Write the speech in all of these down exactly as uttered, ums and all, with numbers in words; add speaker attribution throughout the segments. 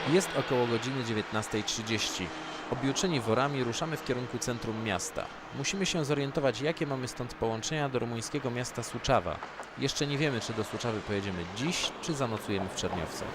Speaker 1: Jest około godziny dziewiętnastej trzydzieści. Objuczeni worami ruszamy w kierunku centrum miasta. Musimy się zorientować, jakie mamy stąd połączenia do rumuńskiego miasta Suceava. Jeszcze nie wiemy, czy do Suceavy pojedziemy dziś, czy zanocujemy w Czerniowcach.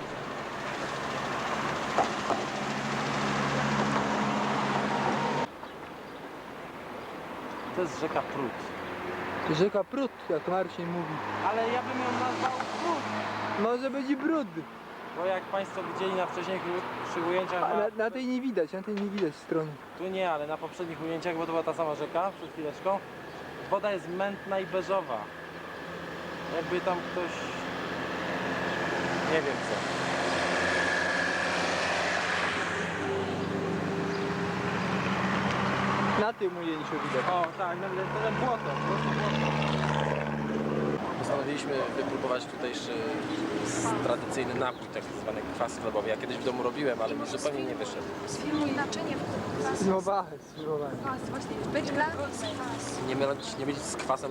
Speaker 2: To jest rzeka Prut.
Speaker 3: Rzeka Prut, jak Marcin mówi.
Speaker 2: Ale ja bym ją nazwał Prut.
Speaker 3: Może być i brud.
Speaker 2: Bo jak Państwo widzieli na wcześniejszych ujęciach,
Speaker 3: A
Speaker 2: na,
Speaker 3: na, na tej nie widać, na tej nie widać strony.
Speaker 2: tu nie, ale na poprzednich ujęciach, bo to była ta sama rzeka przed chwileczką, woda jest mętna i beżowa. Jakby tam ktoś... nie wiem co.
Speaker 3: Na tym ujęciu widać.
Speaker 2: O tak, na ten błoto, błoto, błoto. Postanowiliśmy wypróbować tutejszy tradycyjny napój, tak zwany kwas chlebowy. Ja kiedyś w domu robiłem, ale mi zupełnie nie wyszedł.
Speaker 4: Sfilmuj naczynie w kwasu.
Speaker 3: Sfilmowałem, sfilmowałem.
Speaker 4: Kwas, właśnie. Być dla kwas.
Speaker 2: Nie mylić, nie mylić z kwasem,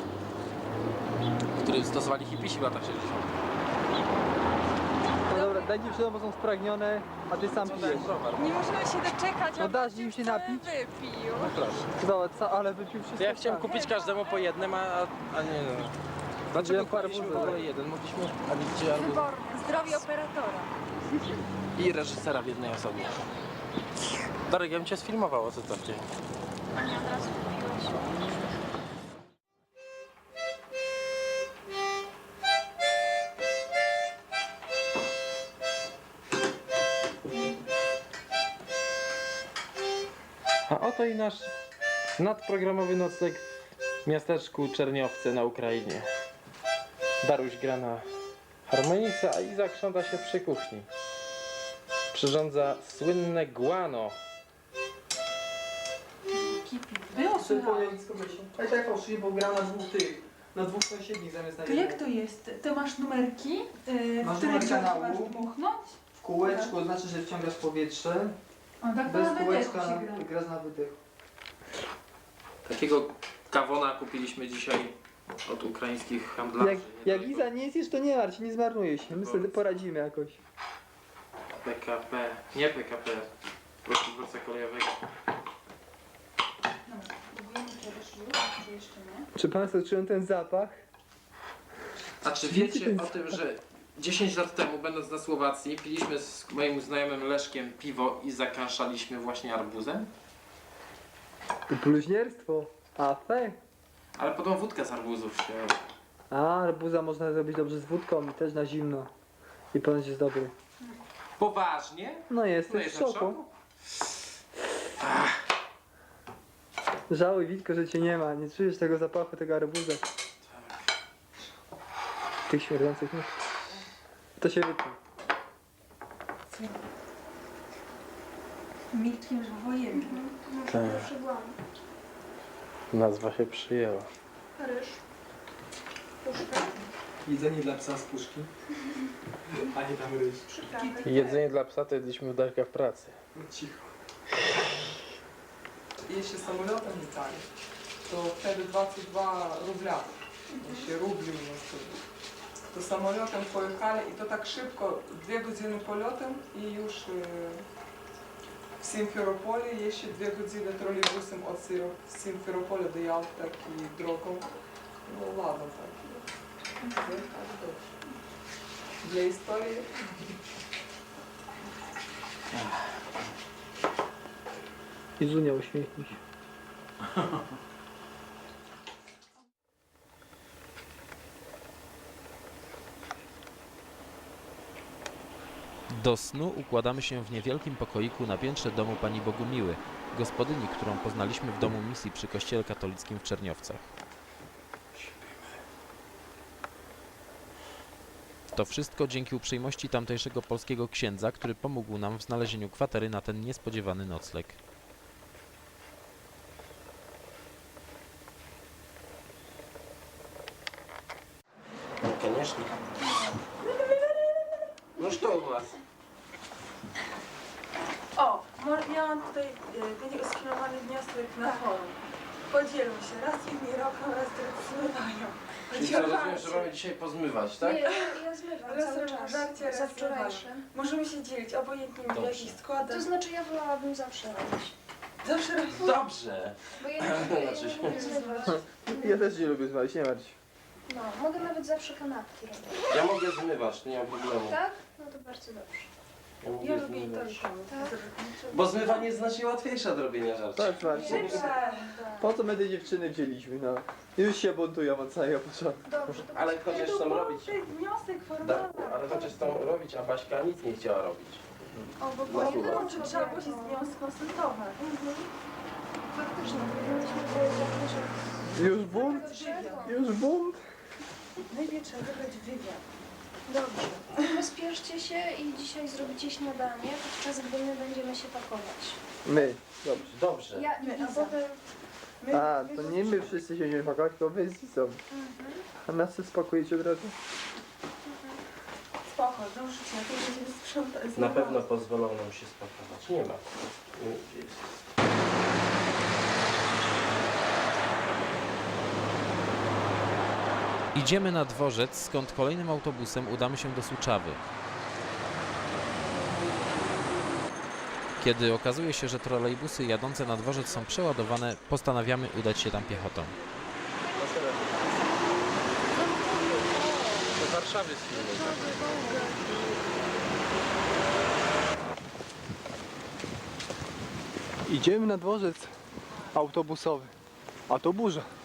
Speaker 2: który stosowali hipisi w latach sześćdziesiątych.
Speaker 3: No dobra, daj dziewczynom, bo są spragnione, a ty sam pijesz.
Speaker 4: Nie możemy się doczekać,
Speaker 3: No
Speaker 4: a
Speaker 3: dasz
Speaker 4: Maciek
Speaker 3: im się
Speaker 4: wcale
Speaker 3: napić?
Speaker 4: wypił.
Speaker 2: No proszę.
Speaker 3: Zobacz, co- ale wypił wszystko.
Speaker 2: Ja chciałem
Speaker 3: sam.
Speaker 2: kupić każdemu po jednym, a, a nie no. Dlaczego
Speaker 3: Wziąłem
Speaker 2: kupiliśmy w
Speaker 3: arbuzę.
Speaker 2: ogóle jeden? Mogliśmy... A widzicie, albo...
Speaker 4: Wyborne. Zdrowie operatora.
Speaker 2: I reżysera w jednej osobie. Darek, ja bym cię sfilmował, o co to w dzień.
Speaker 4: A nie od razu kupiłeś.
Speaker 2: A oto i nasz nadprogramowy nocleg w miasteczku Czerniowce na Ukrainie. Daruś gra na harmonice, a Iza krząta się przy kuchni. Przyrządza słynne guano.
Speaker 5: Było
Speaker 3: Ty
Speaker 5: słychać.
Speaker 3: Ale tak fałszywie, bo gra na dwóch tych, na dwóch sąsiednich zamiast na
Speaker 5: To
Speaker 3: jednym.
Speaker 5: jak to jest? To masz numerki, yy,
Speaker 3: Masz
Speaker 5: w których
Speaker 3: numer kanału.
Speaker 5: masz dmuchnąć?
Speaker 3: W kółeczku znaczy, że wciągasz powietrze,
Speaker 5: O, tak to
Speaker 3: bez
Speaker 5: na wydechu
Speaker 3: kółeczka
Speaker 5: się gra.
Speaker 3: grasz na wydech.
Speaker 2: Takiego kawona kupiliśmy dzisiaj od ukraińskich handlarzy.
Speaker 3: Jak, jak Iza nie zjesz, to nie martw, nie zmarnuje się, my sobie poradzimy jakoś.
Speaker 2: P K P, nie P K P, Polskiego Dworca Kolejowego.
Speaker 5: Dobra, próbujemy czegoś już, czy jeszcze nie?
Speaker 3: Czy Państwo czują ten zapach?
Speaker 2: A czy wiecie o tym, że dziesięć lat temu, będąc na Słowacji, piliśmy z moim znajomym Leszkiem piwo i zakąszaliśmy właśnie arbuzem?
Speaker 3: To bluźnierstwo. A fe.
Speaker 2: Ale potem wódkę z arbuzów się...
Speaker 3: A, arbuza można zrobić dobrze z wódką i też na zimno. I ponoć jest dobry.
Speaker 2: Poważnie?
Speaker 3: No
Speaker 2: No
Speaker 3: jesteś w
Speaker 2: jestem w
Speaker 3: szoku.
Speaker 2: szoku.
Speaker 3: Żałuj, Witko, że cię nie ma. Nie czujesz tego zapachu, tego arbuza. Tych śmierdzących nóg. To się wytnie.
Speaker 5: Milkiem wojennym.
Speaker 2: Tak. Nazwa się przyjęła.
Speaker 4: Ryż. Puszka.
Speaker 3: Jedzenie dla psa z puszki. A nie tam ryż.
Speaker 4: Przyprawy.
Speaker 2: Jedzenie dla psa to jedliśmy w Darka w pracy.
Speaker 3: No cicho. Jeśli samolotem leciali, to wtedy dwadzieścia dwa rubla. Jeśli rubli u nas wtedy.
Speaker 6: To samolotem pojechali i to tak szybko, dwie godziny polotem i już e, w Simferopolii jeszcze dwie godziny trolejbusem od Siro- Simferopolia do Jalty, tak i drogą. No ładno tak. No, tak dobrze. Dla historii.
Speaker 3: Izunia, uśmiechnij się.
Speaker 1: Do snu układamy się w niewielkim pokoiku na piętrze domu pani Bogumiły, gospodyni, którą poznaliśmy w domu misji przy kościele katolickim w Czerniowcach. To wszystko dzięki uprzejmości tamtejszego polskiego księdza, który pomógł nam w znalezieniu kwatery na ten niespodziewany nocleg.
Speaker 2: Конечно. No co u was?
Speaker 5: O, mo- miałam tutaj y, będzie sfilmowany wniosek na forum.
Speaker 7: Podzielą się, raz inni robią, raz drudzy zmywają.
Speaker 8: Czyli co, rozumiem, że mamy dzisiaj pozmywać, tak?
Speaker 4: Nie, ja, ja zmywam
Speaker 7: Raz
Speaker 4: cały
Speaker 7: robią
Speaker 4: czas.
Speaker 7: żarcie,
Speaker 4: Za
Speaker 7: raz
Speaker 4: wczorajsze.
Speaker 7: Możemy się dzielić, obojętnie w
Speaker 8: Dobrze.
Speaker 7: jakich składach.
Speaker 4: To znaczy ja wolałabym zawsze robić.
Speaker 7: Zawsze robię.
Speaker 8: Dobrze!
Speaker 4: Bo ja nie, ja
Speaker 8: Znaczy się-
Speaker 4: nie lubię zmywać.
Speaker 2: Ja też nie lubię zmywać, nie martw się.
Speaker 4: No, mogę nawet zawsze kanapki robić.
Speaker 8: Ja mogę zmywać, nie ma problemu.
Speaker 4: Tak? No to bardzo dobrze.
Speaker 8: Ja mogę
Speaker 7: Ja lubię i to
Speaker 8: zmywać.
Speaker 7: i to.
Speaker 4: Tak.
Speaker 8: Bo zmywanie jest znacznie łatwiejsze od robienia żarci.
Speaker 2: Tak, Marcin.
Speaker 7: Szybsze.
Speaker 2: Po co my te dziewczyny wzięliśmy, no? Już się buntują od samego początku.
Speaker 4: Dobrze, to
Speaker 8: Ale chociaż chcą robić.
Speaker 7: To jest wniosek
Speaker 8: Da,
Speaker 7: formalny.
Speaker 8: ale chociaż chcą robić, a Baśka nic nie chciała robić.
Speaker 7: O, bo
Speaker 8: No,
Speaker 7: nie
Speaker 8: słuchaj.
Speaker 7: było, czy trzeba było się z nią skonsultować.
Speaker 4: faktycznie powinniśmy powiedzieć, że...
Speaker 2: Już bunt? Już bunt?
Speaker 7: Najpierw trzeba wybrać wywiad.
Speaker 4: Dobrze. Pospieszcie się i dzisiaj zrobicie śniadanie, podczas gdy my będziemy się pakować.
Speaker 2: My. Dobrze.
Speaker 8: Dobrze.
Speaker 4: Ja i
Speaker 7: My, a
Speaker 4: Liza.
Speaker 7: potem... My,
Speaker 2: A,
Speaker 7: my
Speaker 2: to nie my wszyscy się będziemy pakować, tylko wy z Lizą. A nas się spakujecie od razu?
Speaker 7: Spoko, zdążycie, to będziemy sprzątać.
Speaker 8: Na pewno pozwolą nam się spakować. Nie ma. Nie jest.
Speaker 1: Idziemy na dworzec, skąd kolejnym autobusem udamy się do Suczawy. Kiedy okazuje się, że trolejbusy jadące na dworzec są przeładowane, postanawiamy udać się tam piechotą.
Speaker 8: Do Warszawy z filmem.
Speaker 2: Idziemy na dworzec autobusowy. A to burza.